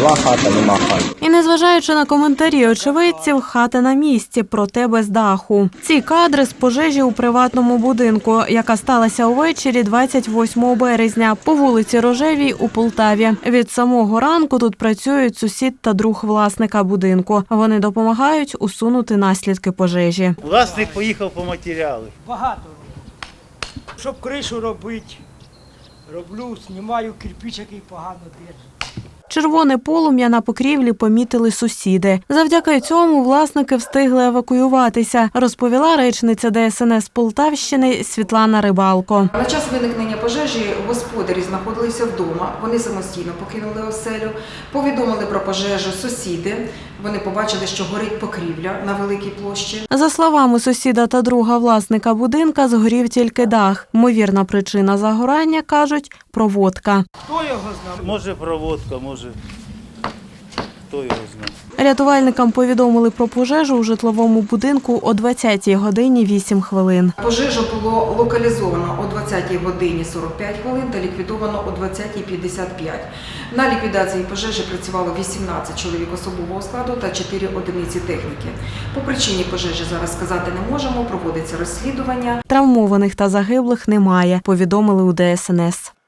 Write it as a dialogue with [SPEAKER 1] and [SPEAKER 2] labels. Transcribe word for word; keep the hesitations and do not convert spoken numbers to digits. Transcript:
[SPEAKER 1] Була хата, нема хати.
[SPEAKER 2] І незважаючи на коментарі очевидців, хата на місці, проте без даху. Ці кадри з пожежі у приватному будинку, яка сталася увечері двадцять восьмого березня по вулиці Рожевій у Полтаві. Від самого ранку тут працюють сусід та друг власника будинку. Вони допомагають усунути наслідки пожежі.
[SPEAKER 3] Власник поїхав по матеріали.
[SPEAKER 4] Багато роблю. Щоб кришу робити, роблю, знімаю кирпич, який погано держить.
[SPEAKER 2] Червоне полум'я на покрівлі помітили сусіди. Завдяки цьому власники встигли евакуюватися, розповіла речниця Де Ес Ен Ес Полтавщини Світлана Рибалко.
[SPEAKER 5] На час виникнення пожежі господарі знаходилися вдома, вони самостійно покинули оселю, повідомили про пожежу сусіди, вони побачили, що горить покрівля на великій площі.
[SPEAKER 2] За словами сусіда та друга власника будинка, згорів тільки дах. Ймовірна причина загорання, кажуть, проводка.
[SPEAKER 4] Хто його знав?
[SPEAKER 3] Може проводка, може, хто його знає.
[SPEAKER 2] Рятувальникам повідомили про пожежу у житловому будинку о двадцятій годині вісім хвилин.
[SPEAKER 5] Пожежу було локалізовано о двадцятій годині сорок п'ять хвилин та ліквідовано о двадцятій п'ятдесят п'ять. На ліквідації пожежі працювало вісімнадцять чоловік особового складу та чотири одиниці техніки. По причині пожежі зараз сказати не можемо, проводиться розслідування.
[SPEAKER 2] Травмованих та загиблих немає, повідомили у Де Ес Ен Ес.